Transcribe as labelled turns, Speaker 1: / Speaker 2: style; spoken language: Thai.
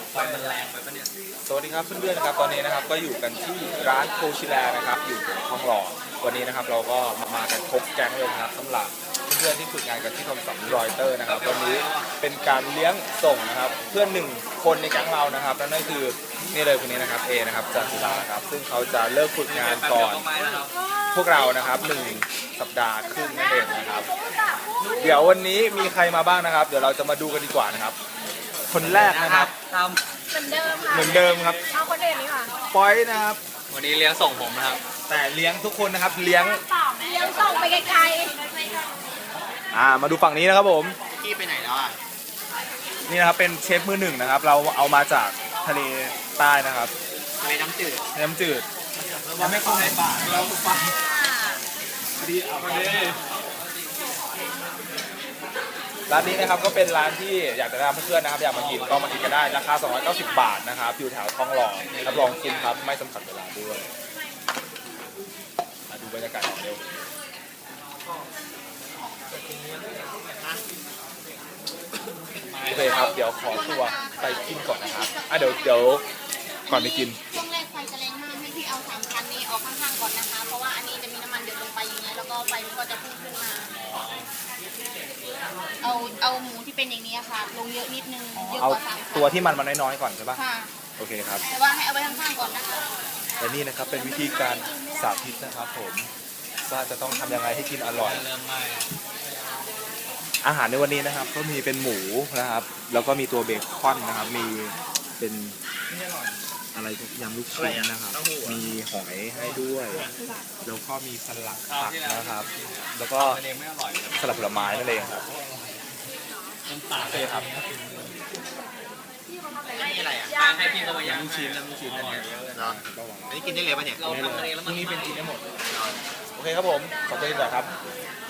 Speaker 1: ไฟมันแรงไปปะเนี่ย
Speaker 2: สวัสดีครับเพื่อนๆนะครับตอนนี้นะครับก็อยู่กันที่ร้านโคชิแลนะครับอยู่ทองหล่อวันนี้นะครับเราก็มากันครบแก๊งเลยนะครับสำหรับเพื่อนๆที่ฝึกงานกันที่ทอมสันรอยเตอร์นะครับวันนี้เป็นการเลี้ยงส่งนะครับเพื่อนหนึ่งคนในแก๊งเรานะครับนั่นก็คือนี่เลยคนนี้นะครับเอนะครับจันทิราครับซึ่งเขาจะเลิกฝึกงานก่อนพวกเรานะครับ1 สัปดาห์ครึ่งนั่นเองนะครับเดี๋ยววันนี้มีใครมาบ้างนะครับเดี๋ยวเราจะมาดูกันดีกว่านะครับคนแรกนะครับ
Speaker 3: เหมือนเดิมค่ะ
Speaker 2: เหมือนเดิมครับ
Speaker 3: เอาคนอื่นนี้ค่ะ
Speaker 2: ปอยนะครับ
Speaker 1: วันนี้เลี้ยงส่งผมนะครับ
Speaker 2: แต่เลี้ยงทุกคนนะครับเลี้ยง
Speaker 3: ส่งไปไกล
Speaker 2: มาดูฝั่งนี้นะครับผม
Speaker 1: พี่ไปไหนแล้วอ่ะ
Speaker 2: นี่นะครับเป็นเชฟมือหนึ่งนะครับเราเอามาจากทะเลใต้นะครับ
Speaker 1: ทะเลน้ำจืด
Speaker 2: น้ำจืดยังไม่เข้าในป่าเราไปดีเอาไปดีร้านนี้นะครับก็เป็นร้านที่อยากจะแนะนำเพื่อนๆนะครับอยากมากินก็มากินกันได้ราคา290 บาทนะครับอยู่แถวทองหล่อรับรองคุ้มครับไม่จำกัดเวลาด้วยมาดูบรรยากาศเร็วโอเคครับเดี๋ยวขอตัวไปกินก่อนนะครับเดี๋ยวก่อนไปกิน
Speaker 3: ช่วงแรกไฟจะแรงมากให้พี่เอา3 คันนี้ออกข้างๆก่อนนะคะเพราะว่าอันนี้จะมีน้ำมันเดือดลงไปอย่างนี้แล้วก็ไฟมันก็จะพุ่งขึ้นมาเอาหมูที่เป็นอย่างนี้ค่ะลงเยอะนิดนึงเยอะกว่า3 คัน
Speaker 2: ตัวที่มันน้อยๆก่อนใช่ปะ
Speaker 3: ค่ะ
Speaker 2: โอเคครับ
Speaker 3: แต่ว่าให้เอาไว้ข้างๆก่อนนะคะ
Speaker 2: และนี่นะครับเป็นวิธีการสาธิตนะครับผมว่าจะต้องทำยังไงให้กินอร่อยอาหารในวันนี้นะครับก็มีเป็นหมูนะครับแล้วก็มีตัวเบคอนนะครับมีเป็นอะไรยำลูกชิ้นนะครับมีหอยให้ด้วยแล้วก็มีสลัดผักนะครับแล้วก็สลัดผลไม้นั่นเองครับโอเคครับ
Speaker 1: นี่อะไรอ่ะให้พี่เขามาย่างลูกชิ้นอันนี้เนาะอันนี้กินได้เลยป่ะเนี่ยเราทำเองแล้วมันนี้เป็นกินได้หมด
Speaker 2: โอเคครับผมขอบคุณก่อนครับ